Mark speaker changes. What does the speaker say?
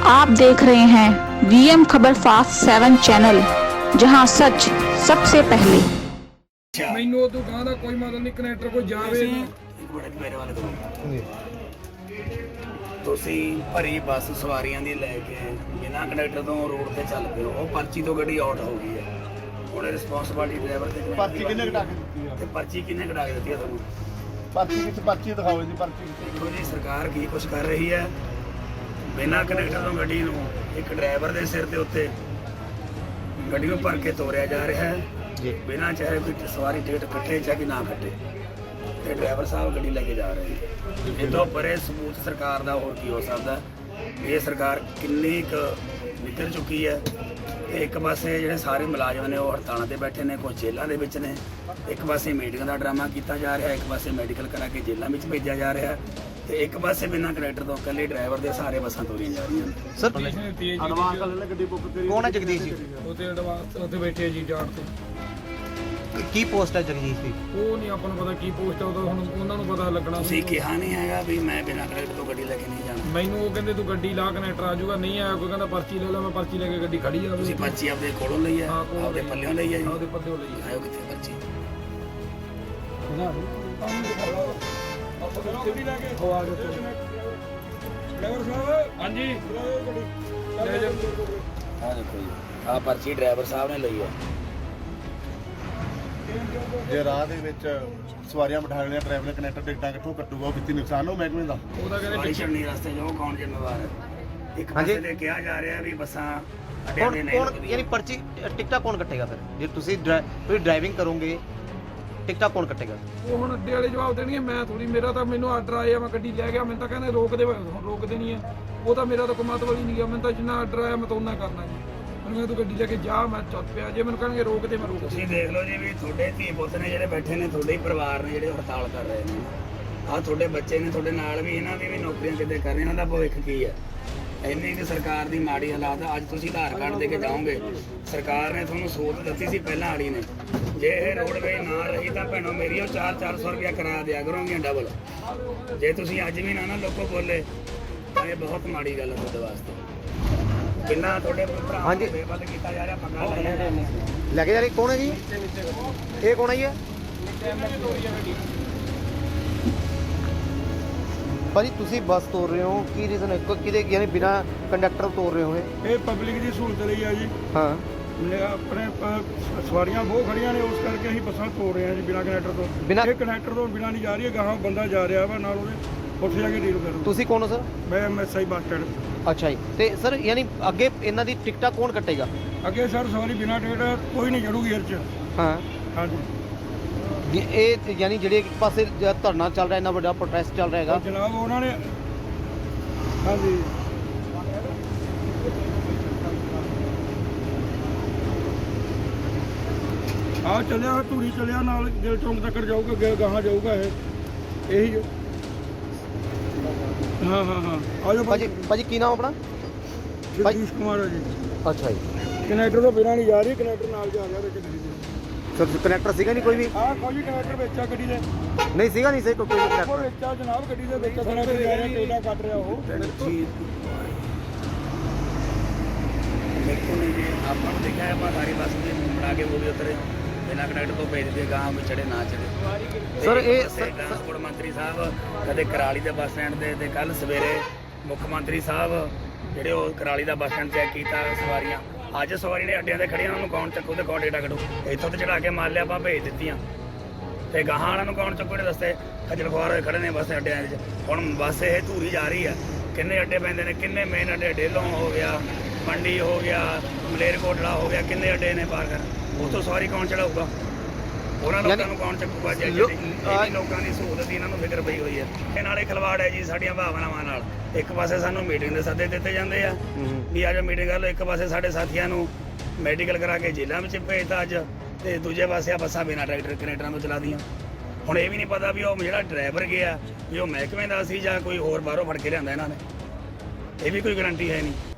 Speaker 1: आप देख रहे हैं वीएम खबर फास्ट 7 चैनल, जहां सच सबसे पहले।
Speaker 2: ਮੈਨੂੰ ਤੂੰ ਕਹਿੰਦਾ ਕੋਈ ਮਤਲਬ ਨਹੀਂ ਕਨੈਕਟਰ ਕੋਈ ਜਾਵੇ ਨਾ।
Speaker 3: ਇੱਕ ਮਿੰਟ ਮੇਰੇ ਵਾਲੇ ਤੋਂ ਤੁਸੀਂ ਭਰੀ ਬੱਸ ਸਵਾਰੀਆਂ ਦੀ ਲੈ ਕੇ ਬਿਨਾਂ ਕੰਡਕਟਰ ਤੋਂ ਰੋਡ ਤੇ ਚੱਲ ਪਏ ਹੋ, ਉਹ ਪਰਚੀ ਤੋਂ ਗੱਡੀ ਆਊਟ ਹੋ ਗਈ ਹੈ। ਹੁਣ ਰਿਸਪੌਂਸਿਬਿਲਟੀ ਡਰਾਈਵਰ ਤੇ
Speaker 4: ਪਰਚੀ ਕਿੰਨੇ ਕਟਾ ਕੇ ਦਿੱਤੀ ਆ?
Speaker 3: ਤੇ ਪਰਚੀ ਕਿੰਨੇ ਕਟਾ ਕੇ ਦਿੱਤੀ ਆ ਤੁਹਾਨੂੰ?
Speaker 4: ਪਰਚੀ ਵਿੱਚ ਪਰਚੀ ਦਿਖਾਓ ਜੀ ਪਰਚੀ।
Speaker 3: ਦੇਖੋ ਜੀ ਸਰਕਾਰ ਕੀ ਕੁਛ ਕਰ ਰਹੀ ਹੈ। ਬਿਨਾਂ ਕੰਡਕਟਰ ਤੋਂ ਗੱਡੀ ਨੂੰ ਇੱਕ ਡਰਾਈਵਰ ਦੇ ਸਿਰ ਦੇ ਉੱਤੇ ਗੱਡੀ ਨੂੰ ਭਰ ਕੇ ਤੋਰਿਆ ਜਾ ਰਿਹਾ ਹੈ ਜੀ, ਬਿਨਾਂ ਚਾਹੇ ਕੋਈ ਸਵਾਰੀ ਟਿਕਟ ਕੱਟੇ ਚਾਹੇ ਨਾ ਕੱਟੇ, ਤੇ ਡਰਾਈਵਰ ਸਾਹਿਬ ਗੱਡੀ ਲੈ ਕੇ ਜਾ ਰਹੇ ਨੇ। ਇਹ ਤੋਂ ਪਰੇ ਸਬੂਤ ਸਰਕਾਰ ਦਾ ਹੋਰ ਕੀ ਹੋ ਸਕਦਾ। ਇਹ ਸਰਕਾਰ ਕਿੰਨੀ ਕੁ ਨਿਕਲ ਚੁੱਕੀ ਹੈ। ਤੇ ਇੱਕ ਪਾਸੇ ਜਿਹੜੇ ਸਾਰੇ ਮੁਲਾਜ਼ਮ ਨੇ ਉਹ ਹੜਤਾਲਾਂ ਤੇ ਬੈਠੇ ਨੇ, ਕੁਝ ਜੇਲ੍ਹਾਂ ਦੇ ਵਿੱਚ ਨੇ। ਇੱਕ ਪਾਸੇ ਮੀਟਿੰਗ ਦਾ ਡਰਾਮਾ ਕੀਤਾ ਜਾ ਰਿਹਾ, ਇੱਕ ਪਾਸੇ ਮੈਡੀਕਲ ਕਰਾ ਕੇ ਜੇਲ੍ਹਾਂ ਵਿੱਚ ਭੇਜਿਆ ਜਾ ਰਿਹਾ, ਤੇ ਇੱਕ ਪਾਸੇ ਬਿਨਾਂ ਕੰਡਕਟਰ ਤੋਂ ਇਕੱਲੇ ਡਰਾਈਵਰ ਦੇ ਸਾਰੇ ਬੱਸਾਂ ਤੋਰੀਆਂ ਜਾ ਰਹੀਆਂ ਨੇ।
Speaker 4: ਸਰ
Speaker 2: ਐਡਵਾਂਸ
Speaker 4: ਕਰ ਲੈ ਗੱਡੀ ਬੁੱਕ ਕਰੀ। ਕੌਣ ਹੈ ਜਗਦੀਸ਼ ਜੀ?
Speaker 2: ਉੱਥੇ ਐਡਵਾਂਸ ਉੱਥੇ ਬੈਠੇ ਜੀ ਜਾਣ ਤੇ।
Speaker 4: ਕੀ ਪੋਸਟ ਹੈ ਜਗਦੀਸ਼ ਦੀ?
Speaker 2: ਉਹ ਨਹੀਂ ਆਪਾਂ ਨੂੰ ਪਤਾ ਕੀ ਪੋਸਟ ਆ, ਉਹ ਹੁਣ ਉਹਨਾਂ ਨੂੰ ਪਤਾ ਲੱਗਣਾ।
Speaker 3: ਤੁਸੀਂ ਕਿਹਾ ਨਹੀਂ ਹੈਗਾ ਵੀ ਮੈਂ ਬਿਨਾਂ ਕੰਡਕਟਰ ਤੋਂ ਗੱਡੀ ਲੈ ਕੇ ਨਹੀਂ ਜਾਣਾ।
Speaker 2: ਮੈਨੂੰ ਉਹ ਕਹਿੰਦੇ ਤੂੰ ਗੱਡੀ ਲਾ ਕਨੈਕਟਰ ਆ ਜਾਊਗਾ, ਨਹੀਂ ਆਇਆ ਕੋਈ ਕਹਿੰਦਾ ਪਰਚੀ ਲੈ ਲੈ, ਮੈਂ ਪਰਚੀ ਲੈ ਕੇ ਗੱਡੀ ਖੜੀ ਆ।
Speaker 3: ਤੁਸੀਂ ਪਰਚੀ ਆਪਦੇ ਕੋਲੋਂ ਲਈ ਹੈ,
Speaker 2: ਹਾਂ, ਕੋਲੋਂ
Speaker 3: ਆਪਦੇ ਪੱਲਿਓਂ ਲਈ ਹੈ ਜੀ?
Speaker 2: ਉਹਦੇ ਪੱਲੇ ਲਈ
Speaker 3: ਆਇਓ ਕਿੱਥੇ ਪਰਚੀ?
Speaker 2: ਉਹ ਆ ਜਾਓ ਡਰਾਈਵਰ ਸਾਹਿਬ। ਹਾਂਜੀ ਲੈ ਜਾ।
Speaker 3: ਆਹ ਦੇਖੋ ਜੀ, ਆਹ ਪਰਚੀ ਡਰਾਈਵਰ ਸਾਹਿਬ ਨੇ ਲਈ ਹੈ।
Speaker 4: ਜੇ ਰਾਹ ਦੇ ਵਿੱਚ ਸਵਾਰੀਆਂ ਬਿਠਾ ਲੈਣੀਆਂ, ਡਰਾਈਵਰ ਕਨੈਕਟਰ ਟਿਕਟਾਂ ਕਿੱਥੋਂ ਕੱਟੂਗਾ? ਉਹ ਕਿੰਨੀ ਨੁਕਸਾਨ ਹੋ ਮਹਿਕਮੇ ਦਾ।
Speaker 2: ਉਹਦਾ ਕਹਿੰਦੇ
Speaker 3: ਸਵਾਰੀ ਚੜਨੀ ਰਸਤੇ 'ਚ ਉਹ ਕੌਣ ਜ਼ਿੰਮੇਵਾਰ ਹੈ? ਇੱਕ ਪਾਸੇ ਤੇ ਕਿਹਾ ਜਾ ਰਿਹਾ ਵੀ ਬੱਸਾਂ ਅੱਡਿਆਂ ਦੇ ਨਹੀਂ
Speaker 5: ਕੌਣ ਯਾਨੀ ਪਰਚੀ ਟਿਕਟਾਂ ਕੌਣ ਕੱਟੇਗਾ ਫਿਰ? ਜੇ ਤੁਸੀਂ ਡਰਾਈਵਿੰਗ ਕਰੋਗੇ ਟਿਕਟਾਂ ਕੌਣ ਕੱਟੇਗਾ?
Speaker 2: ਉਹ ਹੁਣ ਅੱਡੇ ਵਾਲੇ ਜਵਾਬ ਦੇਣਗੇ, ਮੈਂ ਥੋੜੀ। ਮੇਰਾ ਤਾਂ ਮੈਨੂੰ ਆਰਡਰ ਆਇਆ, ਮੈਂ ਗੱਡੀ ਲੈ ਗਿਆ। ਮੈਨੂੰ ਤਾਂ ਕਹਿੰਦੇ ਰੋਕਦੇ ਨਹੀਂ ਹੈ। ਉਹ ਤਾਂ ਮੇਰਾ ਤਾਂ ਕੋਈ ਮਤਲਬ ਹੀ ਨਹੀਂ ਗਿਆ। ਮੈਨੂੰ ਤਾਂ ਜਿੰਨਾ ਆਰਡਰ ਆਇਆ ਮੈਂ ਤਾਂ ਉਹਨਾਂ ਕਰਨਾ ਜੀ। ਮੈਨੂੰ ਕਹਿੰਦਾ ਤੂੰ ਗੱਡੀ ਲੈ ਕੇ ਜਾ, ਮੈਂ ਚੱਲ ਪਿਆ। ਜੇ ਮੈਨੂੰ ਕਹਿਣਗੇ ਰੋਕਦੇ, ਮੈਂ ਰੋਕ।
Speaker 3: ਤੁਸੀਂ ਦੇਖ ਲਓ ਜੀ ਵੀ ਤੁਹਾਡੇ ਧੀ ਪੁੱਤ ਨੇ ਜਿਹੜੇ ਬੈਠੇ ਨੇ, ਤੁਹਾਡੇ ਹੀ ਪਰਿਵਾਰ ਨੇ ਜਿਹੜੇ ਹੜਤਾਲ ਕਰ ਰਹੇ ਨੇ। ਆਹ ਤੁਹਾਡੇ ਬੱਚੇ ਨੇ ਤੁਹਾਡੇ ਨਾਲ ਵੀ, ਇਹਨਾਂ ਦੀ ਵੀ ਨੌਕਰੀਆਂ ਕਿਤੇ ਕਰ ਰਹੇ, ਇਹਨਾਂ ਦਾ ਭਵਿੱਖ ਕੀ ਹੈ? ਇੰਨੀ ਕਿ ਸਰਕਾਰ ਦੀ ਮਾੜੀ ਹਾਲਾਤ ਆ। ਅੱਜ ਤੁਸੀਂ ਆਧਾਰ ਕਾਰਡ ਦੇ ਕੇ ਜਾਓਗੇ, ਸਰਕਾਰ ਨੇ ਤੁਹਾਨੂੰ ਸਹੂਲਤ ਦਿੱਤੀ ਸੀ ਪਹਿਲਾਂ ਵਾਲੀ ਨੇ। ਜੇ ਇਹ ਰੋਡਵੇ ਨਾ ਰਹੀ ਤਾਂ ਭੈਣੋ ਮੇਰੀ ਉਹ 400 ਰੁਪਇਆ ਕਿਰਾਇਆ ਦਿਆ ਕਰੋਗੀਆਂ ਡਬਲ। ਜੇ ਤੁਸੀਂ ਅੱਜ ਵੀ ਨਾ ਲੋਕੋ ਬੋਲੇ ਤਾਂ ਇਹ ਬਹੁਤ ਮਾੜੀ ਗੱਲ ਹੈ ਤੁਹਾਡੇ ਵਾਸਤੇ। ਕਿੰਨਾ ਤੁਹਾਡੇ ਭਰਾ ਨੂੰ ਬੇਵੱਲ ਕੀਤਾ ਜਾ ਰਿਹਾ, ਪੰਗਾ
Speaker 5: ਲੈ ਕੇ ਜਾ ਰਹੀ ਕੌਣ ਹੈ ਜੀ? ਇਹ ਕੌਣ ਹੈ ਜੀ? ਭਾਜੀ ਤੁਸੀਂ ਬੱਸ ਤੋਰ ਰਹੇ ਹੋ, ਕੀ ਰੀਜ਼ਨ ਹੈ? ਕਿਹਦੇ ਯਾਨੀ ਬਿਨਾ ਕੰਡਕਟਰ ਤੋਰ ਰਹੇ ਹੋ?
Speaker 6: ਇਹ ਪਬਲਿਕ ਦੀ ਸਹੂਲਤ ਲਈ ਆ ਜੀ।
Speaker 5: ਹਾਂ,
Speaker 6: ਆਪਣੇ ਸਵਾਰੀਆਂ ਬਹੁਤ ਖੜੀਆਂ ਨੇ, ਉਸ ਕਰਕੇ ਅਸੀਂ ਬੱਸਾਂ ਤੋਰ ਰਹੇ ਹਾਂ ਜੀ ਬਿਨਾਂ ਕੰਡਕਟਰ ਤੋਂ। ਇਹ ਕੰਡਕਟਰ ਤੋਂ ਬਿਨਾਂ ਨਹੀਂ ਜਾ ਰਹੀ ਹੈ, ਗਾਹਾਂ ਬੰਦਾ ਜਾ ਰਿਹਾ ਵਾ ਨਾਲ, ਉਹਦੇ ਉੱਥੇ ਜਾ ਕੇ ਡੀਲ ਕਰੋ।
Speaker 5: ਤੁਸੀਂ ਕੌਣ ਹੋ ਸਰ?
Speaker 6: ਮੈਂ ਐਮਐਸਆਈ ਬੱਸ ਸਟੈਂਡ।
Speaker 5: ਅੱਛਾ ਜੀ। ਤੇ ਸਰ ਯਾਨੀ ਅੱਗੇ ਇਹਨਾਂ ਦੀ ਟਿਕਟਾਂ ਕੌਣ ਕੱਟੇਗਾ?
Speaker 6: ਅੱਗੇ ਸਰ ਸਵਾਰੀ ਬਿਨਾਂ ਟਿਕਟ ਕੋਈ ਨਹੀਂ ਚੜੂਗੀ ਇਹ 'ਚ।
Speaker 5: ਹਾਂ,
Speaker 6: ਹਾਂਜੀ।
Speaker 5: ਇਹ ਯਾਨੀ ਜਿਹੜੇ ਇੱਕ ਪਾਸੇ ਧਰਨਾ ਚੱਲ ਰਿਹਾ, ਇੰਨਾ ਵੱਡਾ ਪ੍ਰੋਟੈਸਟ ਚੱਲ ਰਿਹਾ ਹੈਗਾ
Speaker 6: ਜਨਾਬ ਉਹਨਾਂ ਨੇ, ਹਾਂਜੀ ਆ ਚੱਲਿਆ, ਧੂਰੀ ਚੱਲਿਆ, ਨਾਲ ਗਿੱਲ ਚੌਂਕ ਤੱਕ ਜਾਊਗਾ, ਅੱਗੇ ਗਾਹਾਂ ਜਾਊਗਾ ਇਹ। ਇਹੀ ਹਾਂ ਹਾਂ ਹਾਂ ਆ ਜਾਓ
Speaker 5: ਭਾਜੀ ਕੀ ਨਾਮ ਆਪਣਾ?
Speaker 6: ਜਗਦੀਸ਼ ਕੁਮਾਰ ਹੈ ਜੀ।
Speaker 5: ਅੱਛਾ ਜੀ।
Speaker 6: ਕਨੈਕਟਰ ਤੋਂ ਬਿਨਾਂ ਨਹੀਂ ਜਾ ਰਹੀ, ਕਨੈਕਟਰ ਨਾਲ ਜਾ ਰਿਹਾ ਵਿੱਚ ਗੱਡੀ ਦੇ।
Speaker 5: ਸਰ ਕਨੈਕਟਰ ਸੀਗਾ ਨਹੀਂ ਕੋਈ ਵੀ?
Speaker 6: ਆਹ ਕੋਈ ਕਨੈਕਟਰ ਵਿੱਚ ਆ ਗੱਡੀ ਦੇ।
Speaker 5: ਨਹੀਂ ਸੀਗਾ, ਨਹੀਂ ਸਹੀ ਕੋਈ
Speaker 6: ਉਹ
Speaker 5: ਕਨੈਕਟਰ
Speaker 6: ਵਿੱਚ ਆ ਜਨਾਬ, ਗੱਡੀ ਦੇ ਵਿੱਚ ਕਨੈਕਟਰ ਜਾ ਰਿਹਾ, ਟੇਲਾ ਕੱਟ ਰਿਹਾ ਉਹ।
Speaker 3: ਬਿਲਕੁਲ ਨਹੀਂ ਜੀ, ਆਪਾਂ ਨੂੰ ਦੇਖਿਆ ਆਪਾਂ ਸਾਰੀ ਬੱਸ ਦੀ ਬਣਾ ਕੇ ਉਹ ਵੀ ਉਤਰੇ ਬਿਨਾਂ ਕੰਡਕਟਰ ਤੋਂ ਭੇਜਦੇ, ਗਾਹਾਂ ਵਿੱਚ ਚੜੇ ਨਾ ਚੜੇ।
Speaker 5: ਸਰ ਇਹ
Speaker 3: ਟਰਾਂਸਪੋਰਟ ਮੰਤਰੀ ਸਾਹਿਬ ਕਦੇ ਕਰਾਲੀ ਦੇ ਬੱਸ ਸਟੈਂਡ ਤੇ ਕੱਲ ਸਵੇਰੇ ਮੁੱਖ ਮੰਤਰੀ ਸਾਹਿਬ ਜਿਹੜੇ ਉਹ ਕਰਾਲੀ ਦਾ ਬੱਸ ਸਟੈਂਡ ਚੈੱਕ ਕੀਤਾ ਸਵਾਰੀਆਂ। ਅੱਜ ਸਵਾਰੀ ਨੇ ਅੱਡਿਆਂ ਤੇ ਖੜੀਆਂ, ਉਹਨਾਂ ਨੂੰ ਕੌਣ ਚੱਕੂ ਤੇ ਕੌਣ ਡੇਟਾ ਕੱਢੂ? ਇੱਥੋਂ ਤੇ ਚੜਾ ਕੇ ਮਾਰ ਲਿਆ, ਆਪਾਂ ਭੇਜ ਦਿੱਤੀਆਂ, ਤੇ ਗਾਹਾਂ ਵਾਲਿਆਂ ਨੂੰ ਕੌਣ ਚੱਕੂ? ਜਿਹੜੇ ਰਸਤੇ ਖੱਜਲ ਖੁਆਰ ਹੋਏ ਖੜੇ ਨੇ ਬੱਸ ਅੱਡਿਆਂ 'ਚ। ਹੁਣ ਬੱਸ ਇਹ ਧੂਰੀ ਜਾ ਰਹੀ ਆ, ਕਿੰਨੇ ਅੱਡੇ ਪੈਂਦੇ ਨੇ, ਕਿੰਨੇ ਮੇਨ ਅੱਡੇ, ਡੇਲੋਂ ਹੋ ਗਿਆ, ਮੰਡੀ ਹੋ ਗਿਆ, ਮਲੇਰਕੋਟਲਾ ਹੋ ਗਿਆ, ਕਿੰਨੇ ਅੱਡੇ ਨੇ ਪਾਰ ਕਰ। ਉੱਥੋਂ ਸਵਾਰੀ ਕੌਣ ਚੜਾਊਗਾ? ਉਹਨਾਂ ਲੋਕਾਂ ਨੂੰ ਕੌਣ ਚੱਕੂਗਾ? ਇਹ ਲੋਕਾਂ ਦੀ ਸਹੂਲਤ ਦੀ ਇਹਨਾਂ ਨੂੰ ਫਿਕਰ ਪਈ ਹੋਈ ਹੈ। ਇਹ ਨਾਲੇ ਖਿਲਵਾੜ ਹੈ ਜੀ ਸਾਡੀਆਂ ਭਾਵਨਾਵਾਂ ਨਾਲ। ਇੱਕ ਪਾਸੇ ਸਾਨੂੰ ਮੀਟਿੰਗ ਦੇ ਸੱਦੇ ਦਿੱਤੇ ਜਾਂਦੇ ਆ ਵੀ ਅੱਜ ਮੀਟਿੰਗ ਕਰ ਲਓ, ਇੱਕ ਪਾਸੇ ਸਾਡੇ ਸਾਥੀਆਂ ਨੂੰ ਮੈਡੀਕਲ ਕਰਾ ਕੇ ਜੇਲ੍ਹਾਂ ਵਿੱਚ ਭੇਜਤਾ ਅੱਜ, ਤੇ ਦੂਜੇ ਪਾਸੇ ਆ ਬੱਸਾਂ ਬਿਨਾਂ ਟਰੈਕਟਰ ਕਨੈਕਟਰਾਂ ਤੋਂ ਚਲਾਦੀਆਂ। ਹੁਣ ਇਹ ਵੀ ਨਹੀਂ ਪਤਾ ਵੀ ਉਹ ਜਿਹੜਾ ਡਰਾਈਵਰ ਗਿਆ ਵੀ ਉਹ ਮਹਿਕਮੇ ਦਾ ਸੀ ਜਾਂ ਕੋਈ ਹੋਰ ਬਾਹਰੋਂ ਫੜ ਕੇ ਲਿਆਂਦਾ ਇਹਨਾਂ ਨੇ। ਇਹ ਵੀ ਕੋਈ ਗਰੰਟੀ ਹੈ ਨਹੀਂ।